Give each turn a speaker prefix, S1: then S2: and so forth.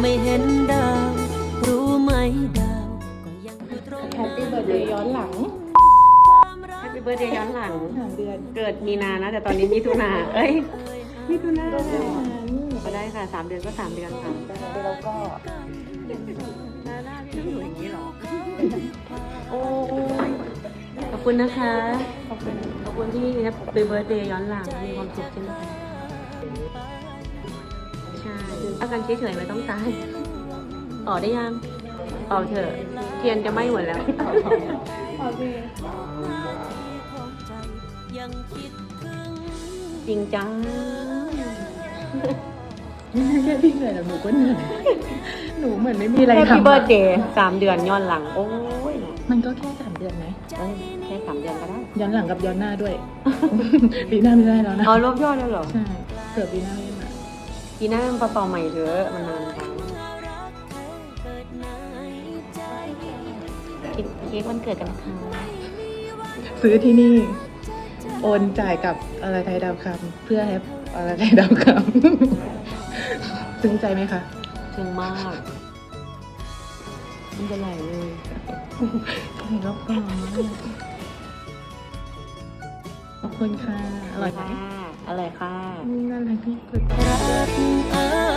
S1: ไม่เห็นดาวรู้ไหมดาวก็ยังอยู่ตรง
S2: แฮปปี้เบิร์ดเดย์ย้อนหลัง
S3: แฮปปี้เบิร์ดเดย์ย้อนหลัง
S2: 3 เดือน
S3: เกิดมีนานะแต่ตอนนี้มิถุนามิถุนาก็ได้ค่ะ3 เดือนก็3 เดือนค่ะ
S2: แล้วก็
S3: หน้าพี่ต้องอยู่อย่างนี้หรอโอ้ขอบคุณนะคะขอบคุณที่แฮปปี้เบิร์ดเดย์ย้อนหลังมีความสุขใช่ไหมคะใช่ถ้ากันเฉยๆไม่ต้องตายต่อได้ยังต่อเถอะเทียนจะไหม้หมดแล้ว
S2: โอเค
S3: จริงจัง
S2: ไม่ใช่แค่พี่เหนื่อยแต่หนูก็เหนื่อยหนูเหมือนไม่มีอะไร
S3: แฮป
S2: ทำ
S3: ปี้เบิร์ดเดย์3 เดือนย้อนหลังโอ้ย
S2: มันก็แค่3 เดือนไหม
S3: แค่3 เดือนก็ได้
S2: ย้อนหลังกับย้อนหน้าด้วย ปีหน้าไม่ได้แล้วนะ
S3: เอารวบยอดแล้วเหรอ
S2: ใช่เผื่อปีหน้าไม่ได้มา
S3: ปีหน้ามันเป่าๆใหม่เถอะมันนานจังกินเค้กวันเกิดกันนะคะ
S2: ซื้อที่นี่โอนจ่ายกับอะไรไทยดาวคำเพื่อให้อะไรไทยดาวคำซึ้งใจไหมคะ
S3: ซึ้งมากมันจะไหลเลย
S2: รอบก่อนขอบคุณค่ะ อร่อยไหม
S3: ค่ะอร่อยค่ะ
S2: น่ารักที่สุด
S1: รักเอ่